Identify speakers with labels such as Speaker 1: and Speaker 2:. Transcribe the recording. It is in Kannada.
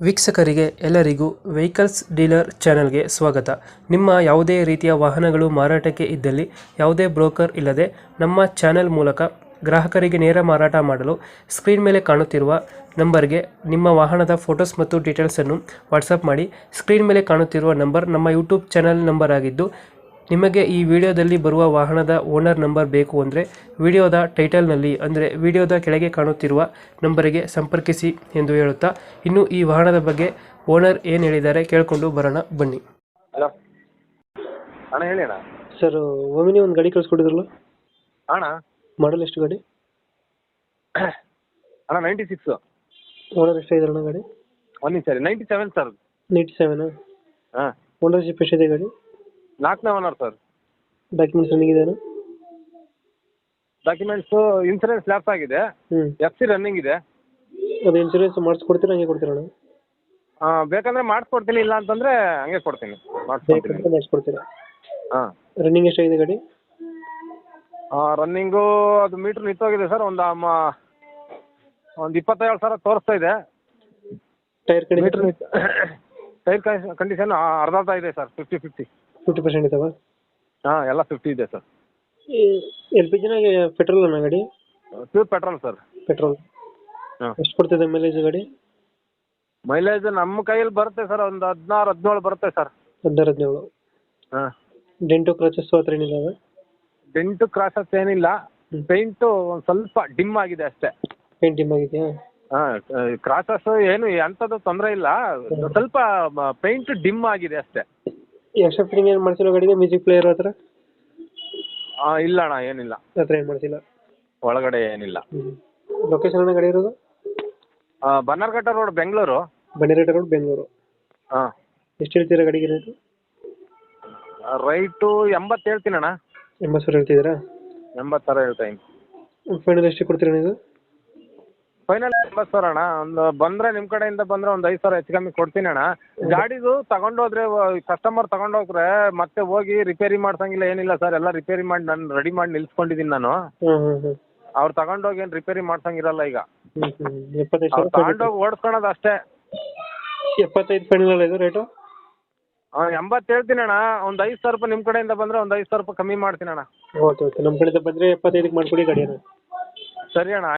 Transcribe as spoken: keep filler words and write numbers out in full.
Speaker 1: ವೀಕ್ಷಕರಿಗೆ ಎಲ್ಲರಿಗೂ ವೆಹಿಕಲ್ಸ್ ಡೀಲರ್ ಚಾನೆಲ್ಗೆ ಸ್ವಾಗತ. ನಿಮ್ಮ ಯಾವುದೇ ರೀತಿಯ ವಾಹನಗಳು ಮಾರಾಟಕ್ಕೆ ಇದ್ದಲ್ಲಿ ಯಾವುದೇ ಬ್ರೋಕರ್ ಇಲ್ಲದೆ ನಮ್ಮ ಚಾನೆಲ್ ಮೂಲಕ ಗ್ರಾಹಕರಿಗೆ ನೇರ ಮಾರಾಟ ಮಾಡಲು ಸ್ಕ್ರೀನ್ ಮೇಲೆ ಕಾಣುತ್ತಿರುವ ನಂಬರ್ಗೆ ನಿಮ್ಮ ವಾಹನದ ಫೋಟೋಸ್ ಮತ್ತು ಡೀಟೇಲ್ಸನ್ನು ವಾಟ್ಸಪ್ ಮಾಡಿ. ಸ್ಕ್ರೀನ್ ಮೇಲೆ ಕಾಣುತ್ತಿರುವ ನಂಬರ್ ನಮ್ಮ ಯೂಟ್ಯೂಬ್ ಚಾನೆಲ್ ನಂಬರ್ ಆಗಿದ್ದು, ನಿಮಗೆ ಈ ವಿಡಿಯೋದಲ್ಲಿ ಬರುವ ವಾಹನದ ಓನರ್ ನಂಬರ್ ಬೇಕು ಅಂದರೆ ವಿಡಿಯೋದ ಟೈಟಲ್ನಲ್ಲಿ ಅಂದರೆ ವಿಡಿಯೋದ ಕೆಳಗೆ ಕಾಣುತ್ತಿರುವ ನಂಬರಿಗೆ ಸಂಪರ್ಕಿಸಿ ಎಂದು ಹೇಳುತ್ತಾ, ಇನ್ನು ಈ ವಾಹನದ ಬಗ್ಗೆ ಓನರ್ ಏನು ಹೇಳಿದ್ದಾರೆ ಕೇಳಿಕೊಂಡು ಬರೋಣ ಬನ್ನಿ.
Speaker 2: ಹಲೋ ಅಣ್ಣ, ಹೇಳಿ ಅಣ್ಣ.
Speaker 1: ಸರ್, ಒಮಿನಿ ಒಂದು ಗಾಡಿ ಕಳಿಸ್ಕೊಟ್ಟಿದ್ರಲ್ಲ,
Speaker 2: ಅಣ್ಣ
Speaker 1: ಮಾಡಲ್ ಎಷ್ಟು ಗಾಡಿ?
Speaker 2: ಅಣ್ಣ ನೈಂಟಿ ಸಿಕ್ಸ್.
Speaker 1: ಓನರ್ ಎಷ್ಟಾಗಿದ್ರಣ್ಣ ಗಾಡಿ?
Speaker 2: ಒಂದು ನಿಮಿಷ ರೀ, ninety seven sir.
Speaker 1: Ninety seven.
Speaker 2: ಹಾಂ,
Speaker 1: ಓನರ್ಶಿಪ್ ಎಷ್ಟಿದೆ ಗಾಡಿ?
Speaker 2: ನಾಲ್ಕನೇ ಓನರ್ ಸರ್.
Speaker 1: ಡಾಕ್ಯುಮೆಂಟ್ಸ್ ರನ್ನಿಂಗ್ ಇದೆಯಾ?
Speaker 2: ಡಾಕ್ಯುಮೆಂಟ್ಸು ಇನ್ಸೂರೆನ್ಸ್ ಲ್ಯಾಪ್ಸ್ ಆಗಿದೆ,
Speaker 1: ಹ್ಞೂ.
Speaker 2: ಎಫ್ ಸಿ ರನ್ನಿಂಗ್ ಇದೆ.
Speaker 1: ಅದು ಇನ್ಸೂರೆನ್ಸ್ ಮಾಡಿಸ್ಕೊಡ್ತೀರಾ ಹಂಗೆ ಕೊಡ್ತೀರಣ್ಣ?
Speaker 2: ಹಾಂ, ಬೇಕಂದ್ರೆ ಮಾಡಿಸ್ಕೊಡ್ತೀನಿ, ಇಲ್ಲ ಅಂತಂದರೆ ಹಂಗೆ ಕೊಡ್ತೀನಿ, ಮಾಡಿಸ್ಕೊಡ್ತೀನಿ.
Speaker 1: ಬೇಕಂತ ಮಾಡಿಸ್ಕೊಡ್ತೀರಾ?
Speaker 2: ಹಾಂ.
Speaker 1: ರನ್ನಿಂಗ್ ಎಷ್ಟಾಗಿದೆ ಗಾಡಿ?
Speaker 2: ರನ್ನಿಂಗು ಅದು ಮೀಟ್ರ್ ನಿಂತೋಗಿದೆ ಸರ್. ಒಂದು ಅಮ್ಮ ಒಂದು ಇಪ್ಪತ್ತೇಳು ಸಾವಿರ ತೋರಿಸ್ತಾ ಇದೆ.
Speaker 1: ಟೈರ್ ಕಡೆ
Speaker 2: ಮೀಟ್ರ್ ನಿಂತು ಟೈರ್ ಕಂಡೀಷನ್ ಅರ್ಧ ಅರ್ಧ ಇದೆ sir, fifty fifty
Speaker 1: fifty percent ಇದಾವ?
Speaker 2: ಹಾಂ, ಎಲ್ಲ ಫಿಫ್ಟಿ ಇದೆ ಸರ್.
Speaker 1: ಎಲ್ ಪಿ ಜಿನ ಪೆಟ್ರೋಲ್ ಅಣ್ಣ ಗಾಡಿ?
Speaker 2: Pure petrol sir.
Speaker 1: ಪೆಟ್ರೋಲ್.
Speaker 2: ಹಾಂ.
Speaker 1: ಎಷ್ಟು ಕೊಡ್ತಿದೆ ಮೈಲೇಜ್ ಗಾಡಿ?
Speaker 2: ಮೈಲೇಜ್ ನಮ್ಮ ಕೈಯಲ್ಲಿ ಬರುತ್ತೆ ಸರ್, ಒಂದು ಹದಿನಾರು ಹದಿನೇಳು ಬರುತ್ತೆ ಸರ್.
Speaker 1: ಹದಿನಾರು ಹದಿನೇಳು.
Speaker 2: ಹಾಂ.
Speaker 1: ಡೆಂಟು ಕ್ರಚಸ್ ಹತ್ರ ಏನಿದಾವೆ?
Speaker 2: ಡೆಂಟು ಕ್ರಾಸಸ್ ಏನಿಲ್ಲ, ಪೇಂಟು ಒಂದು ಸ್ವಲ್ಪ ಡಿಮ್ ಆಗಿದೆ ಅಷ್ಟೇ.
Speaker 1: ಪೇಂಟ್ ಡಿಮ್ ಆಗಿದೆಯಾ?
Speaker 2: ಹಾಂ, ಕ್ರಾಸಸ್ ಏನು ಅಂಥದ್ದು ತೊಂದರೆ ಇಲ್ಲ, ಸ್ವಲ್ಪ ಪೇಂಟ್ ಡಿಮ್ ಆಗಿದೆ ಅಷ್ಟೇ.
Speaker 1: ಎಕ್ಸ್ಟ್ರಾ ಫಿಟ್ಟಿಂಗ್ ಏನು ಮಾಡ್ಸಿಲ್ಲ ಗಾಡಿಗೆ? ಮ್ಯೂಸಿಕ್ ಪ್ಲೇಯರ್ ಹತ್ರ?
Speaker 2: ಹಾಂ, ಇಲ್ಲ ಅಣ್ಣ, ಏನಿಲ್ಲ.
Speaker 1: ಹತ್ರ ಏನು ಮಾಡ್ಸಿಲ್ಲ?
Speaker 2: ಒಳಗಡೆ ಏನಿಲ್ಲ.
Speaker 1: ಲೊಕೇಶನ್ ಅಣ್ಣ ಗಾಡಿ ಇರೋದು?
Speaker 2: ಬನ್ನರ್ಘಟ್ಟ ರೋಡ್, ಬೆಂಗಳೂರು.
Speaker 1: ಬನ್ನೇರಘಟ್ಟ ರೋಡ್, ಬೆಂಗಳೂರು.
Speaker 2: ಹಾಂ.
Speaker 1: ಎಷ್ಟು ಹೇಳ್ತೀರಾ ಗಾಡಿಗೆ ರೇಟು?
Speaker 2: ರೈಟು ಎಂಬತ್ತು ಹೇಳ್ತೀನಿ ಅಣ್ಣ.
Speaker 1: ಎಂಬತ್ತು ಸಾವಿರ ಹೇಳ್ತಿದ್ದೀರಾ?
Speaker 2: ಎಂಬತ್ತು ಸಾವಿರ ಹೇಳ್ತಾ ಇದ್ದೀನಿ.
Speaker 1: ಫೈನಲ್ ಎಷ್ಟು ಕೊಡ್ತೀರಾ ನೀವು?
Speaker 2: ಫೈನಲ್ ಎಂಬತ್ತು ಸಾವಿರ ಅಣ್ಣ. ಒಂದು ಬಂದರೆ ನಿಮ್ಮ ಕಡೆಯಿಂದ ಬಂದರೆ ಒಂದು ಐದು ಸಾವಿರ ಹೆಚ್ಚು ಕಮ್ಮಿ ಕೊಡ್ತೀನಿ ಅಣ್ಣ. ಗಾಡಿದು ತಗೊಂಡೋದ್ರೆ, ಕಸ್ಟಮರ್ ತಗೊಂಡೋಗ್ರೆ ಮತ್ತೆ ಹೋಗಿ ರಿಪೇರಿ ಮಾಡ್ಸಂಗಿಲ್ಲ, ಏನಿಲ್ಲ ಸರ್. ಎಲ್ಲ ರಿಪೇರಿ ಮಾಡಿ ನಾನು ರೆಡಿ ಮಾಡಿ ನಿಲ್ಸ್ಕೊಂಡಿದ್ದೀನಿ ನಾನು.
Speaker 1: ಹ್ಞೂ ಹ್ಞೂ ಹ್ಞೂ.
Speaker 2: ಅವ್ರು ತಗೊಂಡೋಗಿ ಏನು ರಿಪೇರಿ ಮಾಡ್ಸಂಗಿರಲ್ಲ ಈಗ.
Speaker 1: ಹ್ಞೂ ಹ್ಞೂ. ಎಪ್ಪತ್ತೈದು
Speaker 2: ಅವ್ರು
Speaker 1: ಸಾವಿರ
Speaker 2: ತಗೊಂಡೋಗಿ ಓಡಿಸ್ಕೊಳೋದು ಅಷ್ಟೇ.
Speaker 1: ಎಪ್ಪತ್ತೈದು ಫೈನಲ್ ಇದು ರೇಟು?
Speaker 2: ಹಾಂ, ಎಂಬತ್ತು ಹೇಳ್ತೀನಿ ಅಣ್ಣ. ಒಂದು ಐದು ಸಾವಿರ ರೂಪಾಯಿ ನಿಮ್ಮ ಕಡೆಯಿಂದ ಬಂದರೆ ಒಂದು ಐದು ಸಾವಿರ ರೂಪಾಯಿ ಕಮ್ಮಿ ಮಾಡ್ತೀನಿ ಅಣ್ಣ.
Speaker 1: Okay okay. ನಮ್ಮ ಕಡೆಯಿಂದ ಬಂದರೆ ಎಪ್ಪತ್ತೈದಕ್ಕೆ ಮಾಡಿಕೊಡಿ ಗಾಡಿಯನ್ನು.
Speaker 2: ಸರಿ ಅಣ್ಣ.